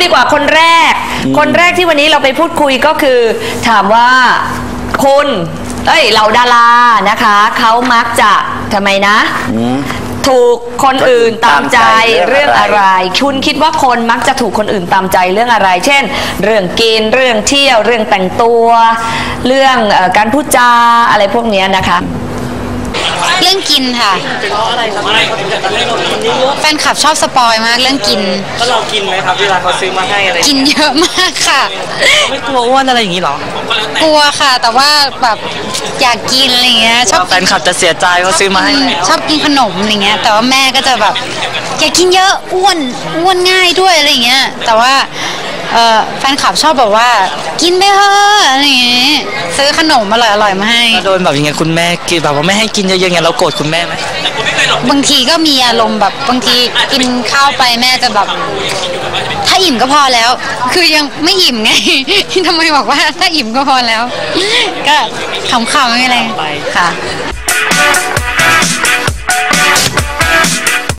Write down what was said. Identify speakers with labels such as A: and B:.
A: ดีกว่าคนแรกที่วันนี้เราไปพูดคุยก็คือถามว่าคุณเหล่าดารานะคะเขามักจะทำไมนะถูกคนอื่นตามใจเรื่องอะไรคุณคิดว่าคนมักจะถูกคนอื่นตามใจเรื่องอะไรเช่นเรื่องกินเรื่องเที่ยวเรื่องแต่งตัวเรื่องการพูดจาอะไรพวกนี้นะคะ
B: เรื่องกินค่ะแฟนคลับชอบสปอยมากเรื่องกิน
C: ก็เรากินไหมครับเวลาเขาซื้อมาให้อะไร
B: กินเยอะมากค่ะ
C: ไม่กลัวอ้วนอะไรอย่างนี้หร
B: อกลัวค่ะแต่ว่าแบบอยากกินอะไรเงี้ยชอบ
C: แฟนคลับจะเสียใจเขาซื้อมาให้
B: ชอบกินขนมอะไรเงี้ยแต่ว่าแม่ก็จะแบบอยากกินเยอะอ้วนง่ายด้วยอะไรเงี้ยแต่ว่าแฟนคลับชอบแบบว่ากินไปเถอะอะไรอย่างงี้ซื้อขนมอร่อยมาให้
C: โดนแบบยังไงคุณแม่กินแบบว่าไม่ให้กินเยอะๆไงเราโกรธคุณแม่ไหม
B: บางทีก็มีอารมณ์แบบบางทีกินข้าวไปแม่จะแบบถ้าอิ่มก็พอแล้วคือยังไม่อิ่มไงทำไมบอกว่าถ้าอิ่มก็พอแล้วก็ขำๆไม่อะไรค่ะ